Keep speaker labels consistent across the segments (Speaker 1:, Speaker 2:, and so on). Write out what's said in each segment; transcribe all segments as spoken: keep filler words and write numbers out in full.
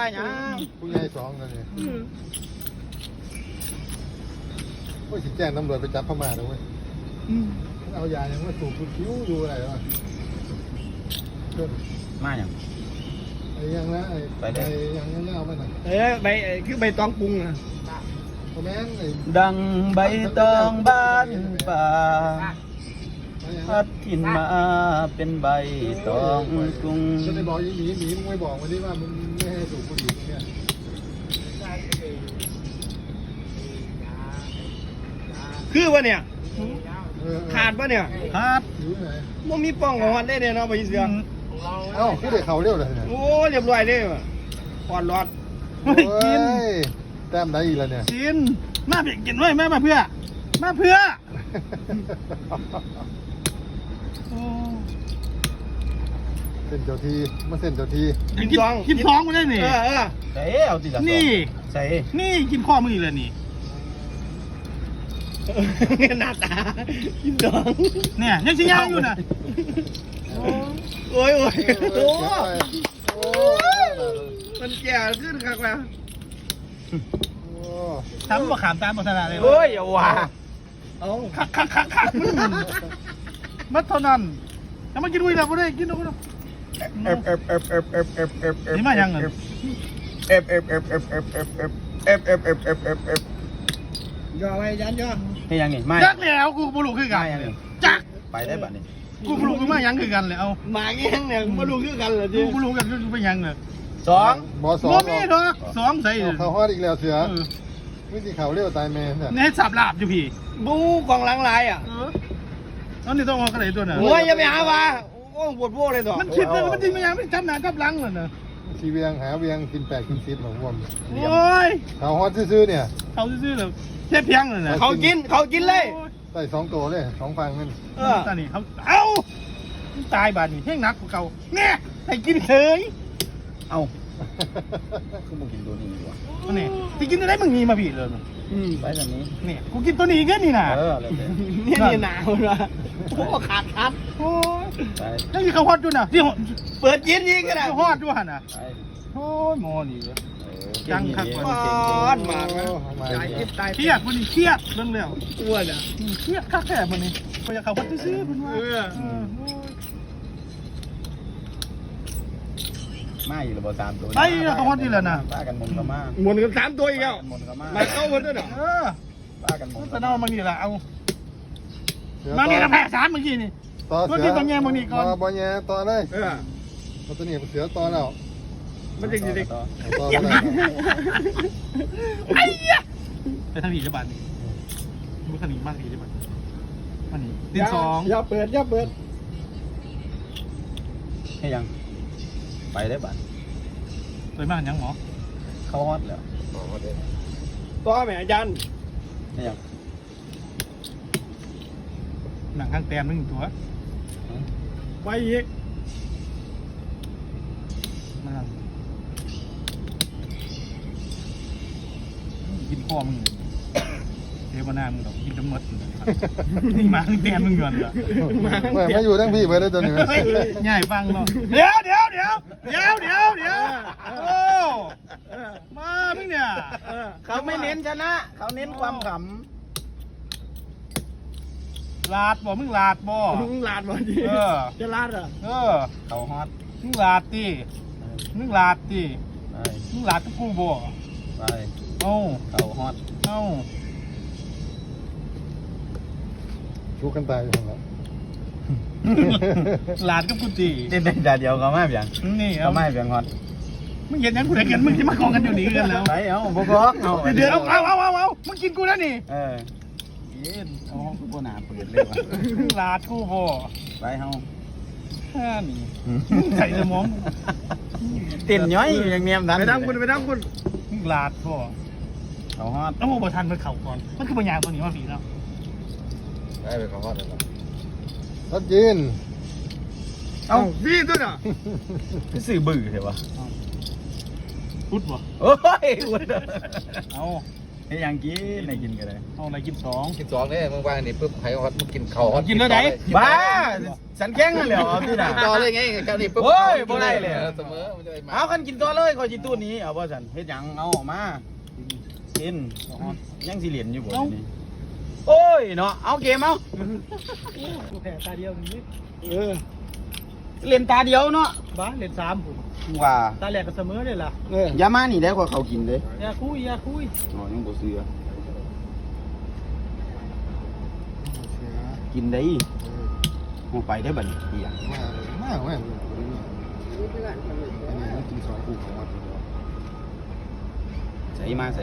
Speaker 1: ว่าหยัง
Speaker 2: ผู้ใหญ่สองกันนี่โอ้ยสิแจ้งตำรวจไปจับพม่าเลยเว้ยเอายายังว่าสูบคิ้วดูอะไรวะ
Speaker 1: มาหยัง
Speaker 2: ไอ้ยังนะไอ้ไปยังยังเอาไปหน่อย
Speaker 3: เอ้ยใบคือใบตองปรุงนะ
Speaker 2: คอมเมนต์ไอ้
Speaker 1: ดังใบตองบ้านป่าพัดถิ่นมาเป็นใบตองกรุง
Speaker 2: จะได้บอกยี่หมีหมีมึงไม่บอกวันนี้ว่ามึงไม่ให้สูบบุหรี่เนี่ย
Speaker 3: คือวะเนี่ยขาดปะเนี่ย
Speaker 1: ครับ
Speaker 2: อยู่ไหน
Speaker 3: มันมีป้องของมันได้เนี่ยเนาะไปเสือ
Speaker 2: เอ้าคือเด็กเขาเรียวเลยเนี่ย
Speaker 3: โอ้เรียบร้อยเลยว่ะปอดรอด
Speaker 2: โอ้ยแต้มได้อีกแล้วเนี่ย
Speaker 4: กินมาเพียกินไว้แม่มาเพื่อมาเพื่อโอ้
Speaker 2: เส้นเจ้าทีมาเส้นเจ้าที
Speaker 4: กินกินกินท้องมาได้นี่
Speaker 3: เออเออ
Speaker 1: ใส่เอาติละ
Speaker 4: นี่
Speaker 1: ใส่
Speaker 4: นี่กินข้อมือเลยนี่
Speaker 3: หน้าตากินดอง
Speaker 4: เนี่ยยังชิย่างอยู่นะ
Speaker 3: โอ้ยโอ้ยโอ้
Speaker 2: โอ้
Speaker 3: มันแก่ขึ้นครับแล้ว
Speaker 2: โอ้
Speaker 4: ทำบ่ขามตามบ่ถนัดเลย
Speaker 1: โอ้ยอย่าว่า
Speaker 3: เอา
Speaker 4: คักคักคักคักมัดเท่านั้นแล้วมากินด้วยแล้วบ่ได้กินด้วย
Speaker 1: เอฟเอฟเอฟเอฟเอฟเอฟเอฟเอฟ
Speaker 4: นี่มายังไง
Speaker 1: เอฟเอฟเอฟเอฟเอฟเอฟเอฟเอฟเอฟเอฟเอฟเอฟเอฟ
Speaker 3: ย่อไว้ยันย่อ
Speaker 1: ให้ยังไงไม่
Speaker 4: จักแล้วกูบ่รู้คือกัน
Speaker 1: ไม่ยังไง
Speaker 4: จัก
Speaker 1: ไปได้บัดนี้
Speaker 4: กูบ่รู้คือมายังคือกันเลยเอา
Speaker 3: หมาเงี้ยเนี่ยมาดูคือกันเหรอ
Speaker 4: กู
Speaker 3: จี
Speaker 4: บ่รู้กันคือไปยังเลย
Speaker 1: สอง
Speaker 2: บอสอง
Speaker 4: บ่มีดอกสองใส่
Speaker 2: เขาฮอดอีกแล้วเสือวิธีเขาเรียวตายแม่เนี่ย
Speaker 4: นี่ให้สับลาบอยู่พี่
Speaker 3: บูกองหลังลายอ่ะ
Speaker 4: เออแล้วนี่ต้องเอากระไรตัวน่ะ
Speaker 3: โอ้ยอย่าไปหาว่าโอ้ปวดโว้เลยต่อ
Speaker 4: มันคิดเลยมันจริงมันยังไม่จับหน้าจับหลังเลยนะ
Speaker 2: ชีเวียงหาเวียงกินแปดกินสิบหลงวม
Speaker 4: โอ้ย
Speaker 2: เขาฮอดซื่อๆเนี่ย
Speaker 4: เขาซื่อๆเลยเทียบเพียงเลยนะ
Speaker 3: เขากินเขากินเลย
Speaker 2: ใส่สองตัวเลยสองฟังนั่น
Speaker 3: เออ
Speaker 4: ตอนนี้เขาเอ้าตายบาดนี่เพ่งนักกว่าเก่าเนี่ยให้กินเฉย
Speaker 1: เอาคือมึงกินตัวนี้ดีกว่า
Speaker 4: ตัวนี้ที่กินอะไรมึงมีมาพี่เลย
Speaker 3: อืม
Speaker 1: ไปแบบนี้
Speaker 4: เนี่ยกูกินตัวนี้กันนี่นะ
Speaker 1: เออเลย
Speaker 3: นี่นี่หนาวนะโอ้ขาดขาด
Speaker 4: โอ้ย
Speaker 1: ไป
Speaker 4: นั่นคือเขาฮอดด้วยนะที่ฮอด
Speaker 3: เปิดกินยิงก็ได้
Speaker 4: เขาฮอดด้วยนะ
Speaker 1: ไป
Speaker 4: โอ้ยหมอนี่เว้ย
Speaker 1: จังคัก
Speaker 3: ปอดมากนะตายกินตาย
Speaker 4: เครียดมันนี่เครียดเรื่องแล้ว
Speaker 3: อ้วนอ่ะ
Speaker 4: เครียดคักแค่มันนี่เขาอยากเขาฮอดซื่อๆเพิ่นว่า
Speaker 3: เออ
Speaker 4: เออโอ้ย
Speaker 1: มาอยู่ระเบิดสามตัว
Speaker 4: ไปแล้วเขาฮอดนี่แหละนะ
Speaker 1: ป้ากันมนก็มา
Speaker 3: หมดกันสามตัวอีกแล้ว
Speaker 1: มนก็มา
Speaker 3: มาเข้าหมดด้วยเหรอ
Speaker 4: เออ
Speaker 1: ป้ากันมน
Speaker 4: มันจะเอามานี่แหละเอามานี่ละแพ้สามเมื่อกี้นี่
Speaker 2: ต่อเสื
Speaker 4: เมื่อกี้ต้องแย่มึงนี่ก่อน
Speaker 2: บอลแย่ต่อเลย
Speaker 3: เออ
Speaker 2: มันตัวนี้เสือต่อแล้ว
Speaker 3: มันจะกินเด็ก
Speaker 2: ต่อแล้ว
Speaker 4: ไอ้เหี้ยไปทางนี้ได้บ้านนี่มันขนีมากดีได้บ้านมันนี่ดินสอง
Speaker 3: อย่าเปิดอย่าเปิด
Speaker 1: ให้ยังไปได้บัด
Speaker 4: สวยมากยังหมอ
Speaker 1: เข้าฮอตแล้ว
Speaker 3: ตัวแม่อาจารย์
Speaker 1: ให้ยัง
Speaker 4: หนังข้างแต้มนึงตัว
Speaker 3: ไปอีก
Speaker 4: มันกินพ่อมึงเทวนามึงดอกกินจนหมดนี่มาข้างแต้มมึงเงินเหรอ
Speaker 2: แม่มาอยู่ทั้งพี่ไปได้ตัวนี้
Speaker 4: ง่ายฟังเนาะเดี๋ยวเดี๋ยวเดี๋ยวเดี๋ยวเดี๋ยวเดี๋ยวโอ้มามึงเนี่ย
Speaker 1: เขาไม่เน้นชนะ เขาเน้นความข
Speaker 4: ลาดบ่มึงลาดบ่
Speaker 3: มึงลาดบ่ดิ
Speaker 4: เออ
Speaker 3: จะลาดเหรอ
Speaker 4: เออ
Speaker 1: ำเขาฮอต
Speaker 4: มึงลาดดิมึงลาดดิ
Speaker 1: ไป
Speaker 4: มึงลาดกับกูบ่
Speaker 1: ไป
Speaker 4: เอ้า
Speaker 1: เขาฮอต
Speaker 4: เอ้า
Speaker 2: ชูกันตายอยู่แล้ว
Speaker 4: ลาดกับกูดิ
Speaker 1: เต้นได้แต่เดียวเขาไม่เพียง
Speaker 4: นี่
Speaker 1: เขา
Speaker 4: เอา
Speaker 1: ไม่เพียงฮอต
Speaker 4: มึงเห็นยังกูได้เงินมึงที่มากองกันอยู่นี่กันแล้ว
Speaker 1: ไปเอาบกอกเอา
Speaker 4: เดี๋ยวเอาเอาเอาเอามึงกินกูแล้วนี่
Speaker 1: เออเย็นเอาห้องกูบ่หนาเปิดเลยว่ะ
Speaker 4: มึงลาดกูบ่
Speaker 1: ไปเฮา
Speaker 4: แค่นี้มึงใส่สมอง
Speaker 1: เต้นย้อยอยู่อย่างเนียมดัน
Speaker 3: ไปทำคุณไปทำคุณ
Speaker 4: มึงลาดบ่
Speaker 1: เขาฮอต
Speaker 4: ต้องบ่ทันมันเข่าก่อนมันคือปัญญาตัวนี้มาผีแล้ว
Speaker 2: ได้ไปเขาฮอดเลยรถยิน
Speaker 3: เอาพี่ตัวน่ะ
Speaker 1: คือสื่อบื้อเถอะวะ
Speaker 4: พุดบ่
Speaker 1: โอ้ยอุด
Speaker 4: เอา
Speaker 1: เให้ยังกินให้กินกันเลย
Speaker 4: เอาอะไรกินสอง
Speaker 2: กินสองเนี่ยมึงว่านี่ปุ๊บไผ่ฮอตมึงกินเข่าฮอต
Speaker 4: กินแล้วไหน
Speaker 1: บ้าสันแข้งนั่นแหละเอาที่ไหน
Speaker 2: ต่อเลยไงกันนี่ปุ๊บ
Speaker 1: โอ้ยบ่ได้เลย
Speaker 2: เสมอมันจะไปมา
Speaker 1: เอากันกินตัวเลยคอยจิตู้นี้เอาบ่สันเฮ็ดหยังเอาออกมากินยังสิเหรียญอยู่บ่นี่โอ้ยเนาะเอาเกมเอา
Speaker 4: กูแพ้ตาเดียวนี่เออ
Speaker 1: เล่นตาเดียวเนาะ
Speaker 4: บ้าเล่นสามผม
Speaker 1: ว่า
Speaker 4: ตาแหลกก็เสมอเลยล่ะเออ
Speaker 1: อย่ามานี่ได้กว่าเขากินเด้
Speaker 4: อย่าคุยอย่าคุย
Speaker 1: อ๋อยังบ่เสือกินได้เอาไปได้บัดนี้เหี้ย
Speaker 2: มากมากมากอันนี้มันกินสองคู่ของวัด
Speaker 1: ใส่มาใส่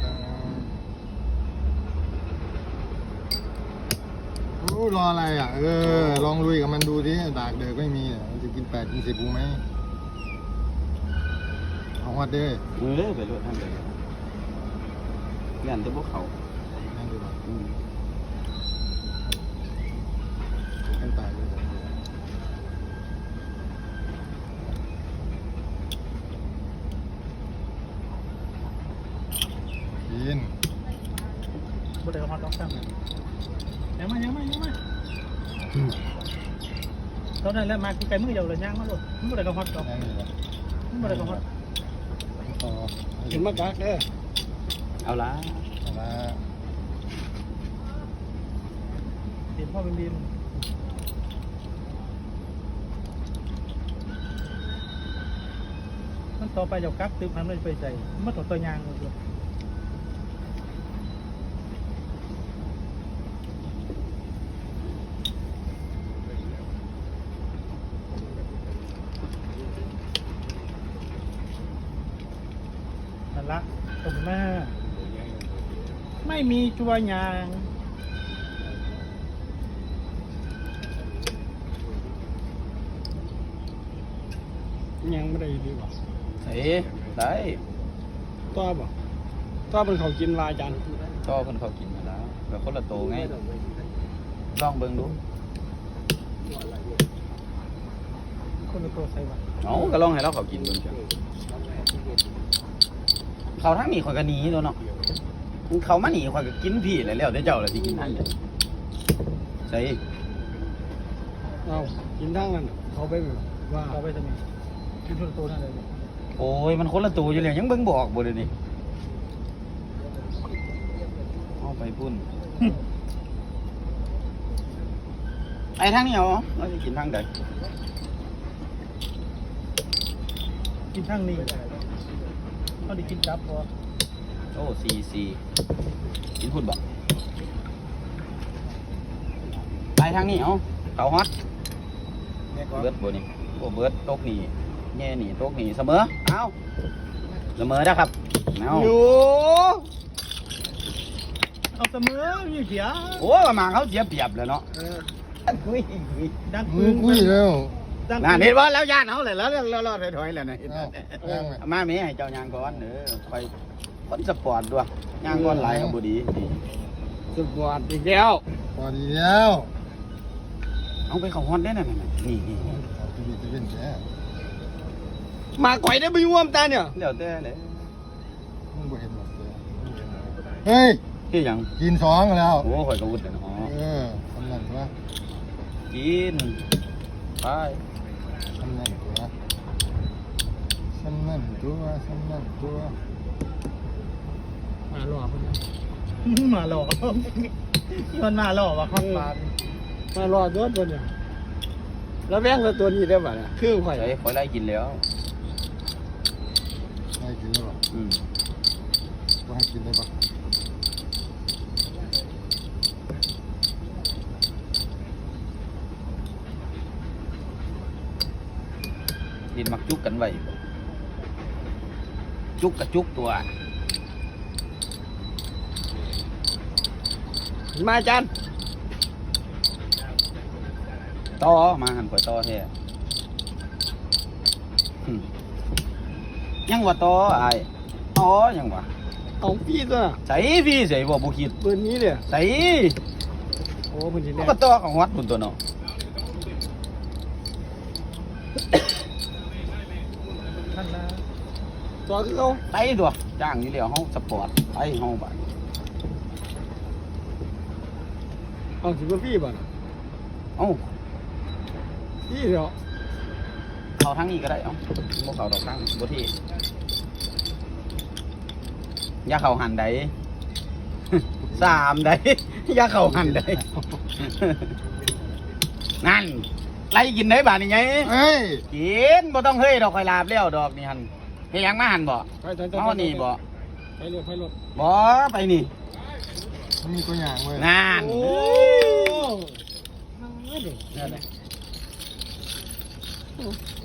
Speaker 2: โอ้รออะไรอ่ะเออลองลุยกับมันดูดิดากเดือกไม่มีอ่ะมันจะกินแปดกินสิบกูไหมเอาวัดเด้อ
Speaker 1: มือเด้อไปรถทำไปยันจะบ่เขา
Speaker 2: นั่นดูก่อน
Speaker 1: อืม
Speaker 2: กันตายเลยกิน
Speaker 4: บ่ได้ฮอตดอกซ้ำยังมายังมายังมาตอนนั้นแหละมาคือไก่มือเดียวเลยย่างมาหมดบ่ได้ก็ฮอตดอก
Speaker 2: นั่นนี่แหละ
Speaker 4: บ่ได้ก็ฮอต
Speaker 2: ต่อ
Speaker 4: กินมากกักเด้อ
Speaker 1: เอาละ
Speaker 2: เอาละ
Speaker 4: เห็นพ่อเป็นดินมันต่อไปเดี๋ยวกักตึกมันไม่ไปใส่มันต่อตัวยางเลยนั่นละตรงหน้าไม่มีจัวยางยังไม่ได้ดีกว่า
Speaker 1: ใส่ได้
Speaker 4: ตัวบ่ตัวเป็นเขากินลายจัน
Speaker 1: ก็เพิ่นเขากินมาแล้วแบบคนละโตไงลองเบิ่งดู
Speaker 4: คนละตัวใส่บ่
Speaker 1: เอาก็ลองให้เราเขากินเบิ่งจ้ะเขาทั้งนี้ข่อยก็หนีตัวเนาะเขามาหนีข่อยก็กินพี่แล้วแล้วแต่เจ้าล่ะสิกินอันใดใส่
Speaker 4: เอากินทั้งนั้นเขาไปว่าเขาไปทำไมกินคนละตัวนั่นเลย
Speaker 1: โอ้ยมันคนละตัวอยู่แล้วยังเบิ่งบ่ออกบ่เดี๋ยวนี้เอาไปพุ่นไอ้ทางนี้เอาเราจะกินทางใด
Speaker 4: กินทั้งนี้เขาได้กินจับพอ
Speaker 1: โอ้สี่สี่กินพุ่นบ่ไปทางนี้เอาเขาฮอตเบิดบ่นี่โอ้เบิดตกนี่แง่นี่ตกนี่เสมอเอาเสมอนะครับเอา
Speaker 4: อยู่เอาเสมอมีเสีย
Speaker 1: โอ้ประมาณเขาเสียเปรียบแล้วเนาะคุยคุย
Speaker 4: ดัง
Speaker 2: มือกุ้ยแล้ว
Speaker 4: ดัง
Speaker 1: น่าเห็นว่าแล้วย่านเขาเลยแล้วแล้วแล้วถอยๆแล้วนะ
Speaker 2: เอ้าย่างไหม
Speaker 1: มาแม่ให้เจ้ายางก่อนเด้อไปคนสปอร์ตด้วยยางก่อนหลายครับบ่ดีนี่
Speaker 4: สปอร์ตอีกแล้ว
Speaker 2: พอดีแล้ว
Speaker 1: เอาไปเข้าฮอนได้นั่นน่ะนี่นี่นี่
Speaker 2: เอาทีวีจะเล่นแก
Speaker 4: มาก่อยได้ไปร่วมตาเนี่ย
Speaker 1: เดี๋ยวแต่เลย
Speaker 2: มึงบ่เห็นหรอกเฮ้ย
Speaker 1: ที่หยัง
Speaker 2: กินสองแล้ว
Speaker 1: โอ้ข่อยก็วุดเลยเนาะ
Speaker 2: เออทำนั่นตัว
Speaker 1: กินไป
Speaker 2: ทำนั่นตัวทำนั่นตัวทำนั่นตัว
Speaker 4: มาหลอกคนนี้มาหลอกมันมาหลอกว่ะครับมาหลอกด้วยตัวเนี่ยแล้วแม่งตัวนี้ได้ป่ะเนี่ยคือข่อย
Speaker 1: ใส่ข่อยไล่กินแล้ว
Speaker 2: ให้กินได้ปะ
Speaker 1: อืม
Speaker 2: ก็ให้กินได้ปะ
Speaker 1: ดินมักจุกกันไว้บ่จุกกับจุกตัว
Speaker 4: มาจัน
Speaker 1: ต่อมาหันข่อยต่อแท้หึยังว่าต่ออ้ายต่อยังว่า
Speaker 4: เอาพี่ตัว
Speaker 1: ใส่พี่ใส่บ่บ่คิด
Speaker 4: ปืนนี้เนี่ย
Speaker 1: ใส่
Speaker 4: โอ้ปืนนี้
Speaker 1: มัน
Speaker 4: เนี่ย
Speaker 1: ก็ต่อของวัดพุ่นตัวเนาะ
Speaker 4: ท่านนะตัวคือเขา
Speaker 1: ไปตัวจ้างอยู่แล้วเฮาสปอร์ตไปเฮาบัด
Speaker 4: เอาสิบ่พี่บ่น่ะ
Speaker 1: เอ้า
Speaker 4: พี่เดี๋ยว
Speaker 1: เขาทางนี้ก็ได้เอ้าบ่เขาดอกทางบ่ที่อย่าเข้าหันใด สามใด อย่าเข้าหันใด นั่นไล่กินได้บาดนี่ไง
Speaker 2: เอ้ย
Speaker 1: กินบ่ต้องเฮ้ยดอกไฟลาบแล้วดอกนี่หันเฮ็ดหยังมาหันบ่
Speaker 4: ไปไปไป
Speaker 1: เฮานี่บ่
Speaker 4: ไปรถไปรถ
Speaker 1: บ่ไปนี่
Speaker 2: มันมีตัวอย่างเว้ย
Speaker 1: งาน
Speaker 4: โอ้
Speaker 1: นั่นแหละ